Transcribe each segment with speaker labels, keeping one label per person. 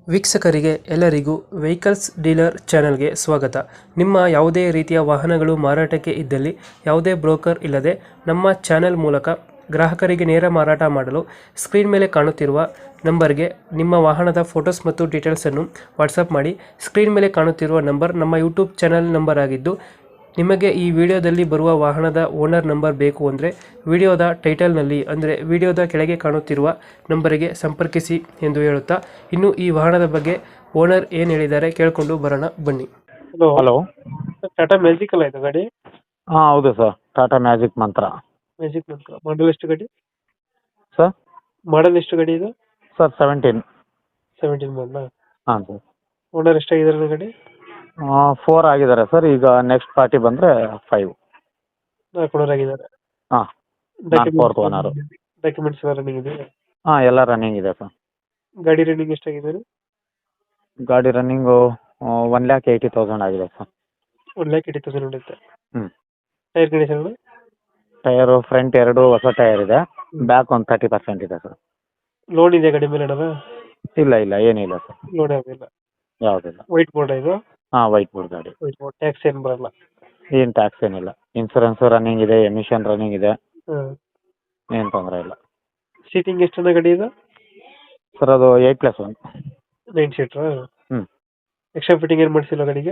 Speaker 1: ವೀಕ್ಷಕರಿಗೆ ಎಲ್ಲರಿಗೂ vehicles dealer ಚಾನೆಲ್ಗೆ ಸ್ವಾಗತ. ನಿಮ್ಮ ಯಾವುದೇ ರೀತಿಯ ವಾಹನಗಳು ಮಾರಾಟಕ್ಕೆ ಇದ್ದಲ್ಲಿ ಯಾವುದೇ ಬ್ರೋಕರ್ ಇಲ್ಲದೆ ನಮ್ಮ ಚಾನೆಲ್ ಮೂಲಕ ಗ್ರಾಹಕರಿಗೆ ನೇರ ಮಾರಾಟ ಮಾಡಲು ಸ್ಕ್ರೀನ್ ಮೇಲೆ ಕಾಣುತ್ತಿರುವ ನಂಬರ್ಗೆ ನಿಮ್ಮ ವಾಹನದ ಫೋಟೋಸ್ ಮತ್ತು ಡೀಟೇಲ್ಸನ್ನು ವಾಟ್ಸಪ್ ಮಾಡಿ. ಸ್ಕ್ರೀನ್ ಮೇಲೆ ಕಾಣುತ್ತಿರುವ ನಂಬರ್ ನಮ್ಮ ಯೂಟ್ಯೂಬ್ ಚಾನೆಲ್ ನಂಬರ್ ಆಗಿದ್ದು, ನಿಮಗೆ ಈ ವಿಡಿಯೋದಲ್ಲಿ ಬರುವ ವಾಹನದ ಓನರ್ ನಂಬರ್ ಬೇಕು ಅಂದರೆ ವಿಡಿಯೋದ ಟೈಟಲ್ನಲ್ಲಿ ಅಂದರೆ ವಿಡಿಯೋದ ಕೆಳಗೆ ಕಾಣುತ್ತಿರುವ ನಂಬರಿಗೆ ಸಂಪರ್ಕಿಸಿ ಎಂದು ಹೇಳುತ್ತಾ, ಇನ್ನು ಈ ವಾಹನದ ಬಗ್ಗೆ ಓನರ್ ಏನು ಹೇಳಿದ್ದಾರೆ ಕೇಳಿಕೊಂಡು ಬರೋಣ ಬನ್ನಿ. Hello,
Speaker 2: hello.
Speaker 1: ಟಾಟಾ ಮ್ಯಾಜಿಕ್ ಅಲ್ಲ ಇದು ಗಾಡಿ?
Speaker 2: ಹಾಂ ಹೌದು sir, Tata Magic Mantra.
Speaker 1: Magic ನಂತರ ಮಾಡಲ್ ಎಷ್ಟು ಗಾಡಿ?
Speaker 2: ಸರ್
Speaker 1: ಮಾಡಲ್ ಎಷ್ಟು ಗಾಡಿ ಇದು?
Speaker 2: ಸರ್ 17.
Speaker 1: 17 ಮಾಡಲ.
Speaker 2: ಹಾಂ ಸರ್.
Speaker 1: ಓನರ್ ಎಷ್ಟಾಗಿದ್ದಾರೆ ಗಾಡಿ?
Speaker 2: 4 ಆಗಿದ್ದಾರೆ ಸರ್. ಈಗ ನೆಕ್ಸ್ಟ್ ಪಾರ್ಟಿ ಬಂದರೆ 5.
Speaker 1: 4 ಓನರ್ ಆಗಿದ್ದಾರೆ.
Speaker 2: ಹಾಂ, ನಾನು 4th ಓನರು.
Speaker 1: ಡಾಕ್ಯುಮೆಂಟ್ಸ್ ಎಲ್ಲ ರನ್ನಿಂಗ್ ಇದೆ?
Speaker 2: ಹಾಂ, ಎಲ್ಲ ರನ್ನಿಂಗ್ ಇದೆ ಸರ್.
Speaker 1: ಗಾಡಿ ರನ್ನಿಂಗ್ ಎಷ್ಟಾಗಿದೆ?
Speaker 2: ಗಾಡಿ ರನ್ನಿಂಗು 1,80,000 ಆಗಿದೆ ಸರ್.
Speaker 1: 1,80,000 ಹೊಡೆಯುತ್ತೆ.
Speaker 2: ಹ್ಞೂ.
Speaker 1: Tyre condition?
Speaker 2: ಟಯರು ಫ್ರಂಟ್ 2 ಹೊಸ ಟೈರ್ ಇದೆ, ಬ್ಯಾಕ್ ಒಂದು 30% ಇದೆ ಸರ್.
Speaker 1: ಲೋನ್ ಇದೆ ಗಾಡಿ ಮೇಲೆ ಅಣ್ಣ?
Speaker 2: ಇಲ್ಲ ಇಲ್ಲ, ಏನಿಲ್ಲ ಸರ್,
Speaker 1: ಲೋನ್ ಯಾವುದಿಲ್ಲ.
Speaker 2: ಯಾವುದಿಲ್ಲ.
Speaker 1: ವೈಟ್ ಬೋರ್ಡ್ ಇದು?
Speaker 2: ಹಾಂ, ವೈಟ್ ಬೋರ್ಡ್ ಗಾಡಿ.
Speaker 1: ವೈಟ್ ಬೋರ್ಡ್, ಟ್ಯಾಕ್ಸ್ ಏನು ಬರಲ್ಲ?
Speaker 2: ಏನು ಟ್ಯಾಕ್ಸ್ ಏನಿಲ್ಲ. ಇನ್ಸೂರೆನ್ಸು ರನ್ನಿಂಗ್ ಇದೆ, ಎಮಿಷನ್ ರನ್ನಿಂಗ್ ಇದೆ,
Speaker 1: ಹಾಂ.
Speaker 2: ಏನು ತೊಂದರೆ ಇಲ್ಲ.
Speaker 1: ಸೀಟಿಂಗ್ ಎಷ್ಟು ಗಾಡಿ ಇದು?
Speaker 2: ಸರ್ ಅದು 8+1.
Speaker 1: 9 ಸೀಟ್ರಾ?
Speaker 2: ಹ್ಞೂ.
Speaker 1: ಎಕ್ಸ್ಟ್ರಾ ಫಿಟ್ಟಿಂಗ್ ಏನು ಮಾಡಿಸಿಲ್ಲ ಗಾಡಿಗೆ?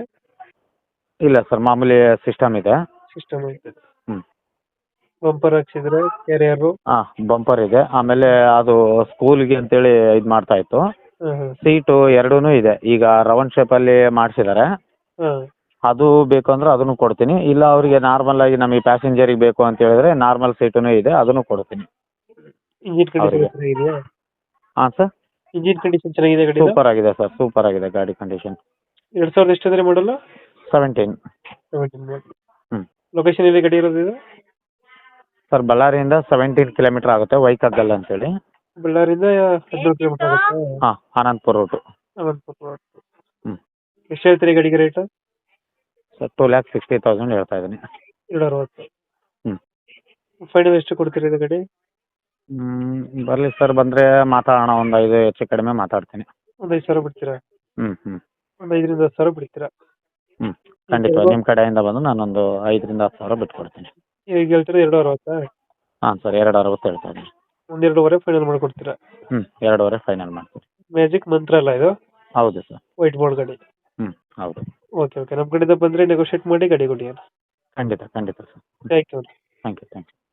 Speaker 2: ಇಲ್ಲ ಸರ್, ಮಾಮೂಲಿ ಸಿಸ್ಟಮ್ ಇದೆ.
Speaker 1: ಸಿಸ್ಟಮ್ ಐತೆ.
Speaker 2: ಹ್ಞೂ.
Speaker 1: ಬಂಪರ್ ಹಾಕ್ಸಿದ್ರೆ ಕ್ಯಾರಿಯರು?
Speaker 2: ಹಾಂ, ಬಂಪರ್ ಇದೆ. ಆಮೇಲೆ ಅದು ಸ್ಕೂಲ್ಗೆ ಅಂತೇಳಿ ಇದು ಮಾಡ್ತಾ ಇತ್ತು.
Speaker 1: ಹಾಂ ಹಾಂ
Speaker 2: ಸೀಟು ಎರಡೂ ಇದೆ. ಈಗ ರೌಂಡ್ ಶೇಪಲ್ಲಿ ಮಾಡಿಸಿದ್ದಾರೆ.
Speaker 1: ಹಾಂ.
Speaker 2: ಅದು ಬೇಕು ಅಂದ್ರೆ ಅದನ್ನು ಕೊಡ್ತೀನಿ. ಇಲ್ಲ ಅವರಿಗೆ ನಾರ್ಮಲ್ ಆಗಿ ನಮಗೆ ಪ್ಯಾಸೆಂಜರಿಗೆ ಬೇಕು ಅಂತ ಹೇಳಿದ್ರೆ ನಾರ್ಮಲ್ ಸೀಟೂ ಇದೆ, ಅದನ್ನು ಕೊಡ್ತೀನಿ
Speaker 1: ಇಂಜಿನ್ ಕಂಡೀಷನ್
Speaker 2: ಅವರಿಗೆ.
Speaker 1: ಚೆನ್ನಾಗಿದೆಯಾ?
Speaker 2: ಹಾಂ ಸರ್,
Speaker 1: ಇಂಜಿನ್ ಕಂಡೀಷನ್ ಚೆನ್ನಾಗಿದೆ ಗಾಡಿ?
Speaker 2: ಸೂಪರ್ ಆಗಿದೆ ಸರ್, ಸೂಪರ್ ಆಗಿದೆ ಗಾಡಿ ಕಂಡೀಷನ್.
Speaker 1: 2000 ಎಷ್ಟು ಅಂದರೆ ಮಾಡಲ್ಲ?
Speaker 2: 17.
Speaker 1: 17 ಮಾಡಲ್.
Speaker 2: ಹ್ಞೂ.
Speaker 1: ಲೊಕೇಶನ್ ಎಲ್ಲಿ ಗಾಡಿ ಇರೋದು ಇದು?
Speaker 2: ಸರ್, ಬಳ್ಳಾರಿಯಿಂದ 17 ಕಿಲೋಮೀಟ್ರ್ ಆಗುತ್ತೆ, ವೈಕಗ್ಗಲ್ ಅಂತೇಳಿ.
Speaker 1: ಬಳ್ಳಾರಿಯಿಂದ 17 ಕಿಲೋಮೀಟರ್ ಆಗುತ್ತೆ.
Speaker 2: ಹಾಂ, ಅನಂತಪುರ ರೂಟು.
Speaker 1: ಅನಂತಪುರ.
Speaker 2: ಹ್ಞೂ.
Speaker 1: ಎಷ್ಟು ಹೇಳ್ತೀರಿ ಗಾಡಿಗೆ ರೇಟ್?
Speaker 2: ಸರ್ 2,60,000 ಹೇಳ್ತಾ ಇದ್ದೀನಿ.
Speaker 1: 260.
Speaker 2: ಹ್ಞೂ.
Speaker 1: ಫೈನಲ್ ಎಷ್ಟು ಕೊಡ್ತೀರಿ ಇದು ಗಾಡಿ?
Speaker 2: ಬರಲಿ ಸರ್, ಬಂದರೆ ಮಾತಾಡೋಣ. ಒಂದು 5 ಹೆಚ್ಚು ಕಡಿಮೆ ಮಾತಾಡ್ತೀನಿ.
Speaker 1: ಒಂದು 5,000 ಬಿಡ್ತೀರಾ?
Speaker 2: ಹ್ಞೂ ಹ್ಞೂ.
Speaker 1: ಒಂದು 5ರಿಂದ 10,000 ಬಿಡ್ತೀರಾ?
Speaker 2: ಹ್ಞೂ, ಖಂಡಿತ. ನಿಮ್ಮ ಕಡೆಯಿಂದ ಬಂದು ನಾನೊಂದು 5,000ರಿಂದ 10,000 ಬಿಟ್ಕೊಡ್ತೀನಿ.
Speaker 1: ಈಗ ಹೇಳ್ತೀರಾ 260?
Speaker 2: ಹಾಂ ಸರ್, 260 ಹೇಳ್ತಾ ಇದ್ದೀನಿ.
Speaker 1: ಒಂದು 2.5 ಫೈನಲ್ ಮಾಡಿಕೊಡ್ತೀರಾ?
Speaker 2: ಹ್ಞೂ, 2.5 ಫೈನಲ್ ಮಾಡ್ತೀನಿ.
Speaker 1: ಮ್ಯಾಜಿಕ್ ಮಂತ್ರ ಅಲ್ಲ ಇದು?
Speaker 2: ಹೌದು ಸರ್.
Speaker 1: ವೈಟ್ ಬೋರ್ಡ್ ಗಾಡಿ?
Speaker 2: ಹ್ಞೂ, ಹೌದು.
Speaker 1: ಓಕೆ ಓಕೆ, ನಮ್ಮ ಕಡೆಯಿಂದ ಬಂದರೆ ನೆಗೋಷಿಯೇಟ್ ಮಾಡಿ ಗಾಡಿ ಕೊಡಿ.
Speaker 2: ಖಂಡಿತ ಖಂಡಿತ sir.
Speaker 1: Thank you.
Speaker 2: Thank you.